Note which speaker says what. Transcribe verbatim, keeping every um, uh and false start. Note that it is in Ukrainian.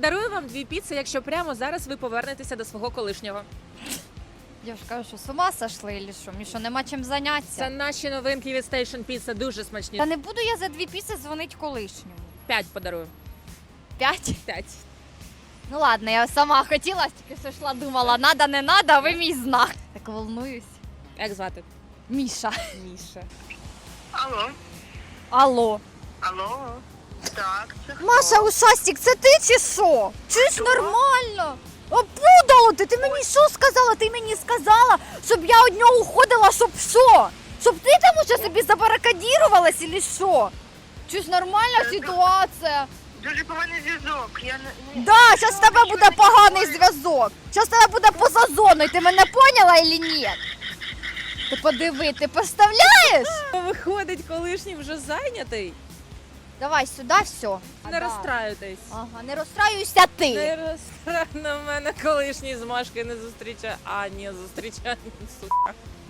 Speaker 1: Подарую вам дві піци, якщо прямо зараз ви повернетеся до свого колишнього.
Speaker 2: Я ж кажу, що з ума сошли, или що? Мені що, нема чим зайнятися?
Speaker 1: Це наші новинки від Station Pizza, дуже смачні.
Speaker 2: Та не буду я за дві піци дзвонить колишньому.
Speaker 1: П'ять подарую.
Speaker 2: П'ять?
Speaker 1: П'ять.
Speaker 2: Ну ладно, я сама хотіла, тільки що йшла, думала, надо, не надо, а ви мій знак. Так волнуюсь.
Speaker 1: Як звати?
Speaker 2: Міша.
Speaker 1: Міша.
Speaker 3: Алло.
Speaker 2: Алло.
Speaker 3: Алло. Так, це хто?
Speaker 2: Маша, ушастик, це ти чи що? Чуєш, нормально? Опудало ти, ти мені що сказала? Ти мені сказала, щоб я від нього уходила, щоб що? Щоб ти там уже собі забаракадірувалась, или що? Чуєш, нормальна ситуація?
Speaker 3: Дуже поганий зв'язок. Я не... не-
Speaker 2: Да, зараз в тебе
Speaker 3: нічого
Speaker 2: буде
Speaker 3: не
Speaker 2: поганий
Speaker 3: чую.
Speaker 2: зв'язок. Зараз в тебе буде поза зоною, ти мене поняла или ні? Ти подиви, ти представляєш?
Speaker 1: Виходить, колишній вже зайнятий.
Speaker 2: Давай сюди, все.
Speaker 1: Не розстраюйтесь.
Speaker 2: Ага, не розстраюйся ти.
Speaker 1: Не розстраюй на мене колишній з Машкою не зустрічає. А, ні, зустрічає, сука.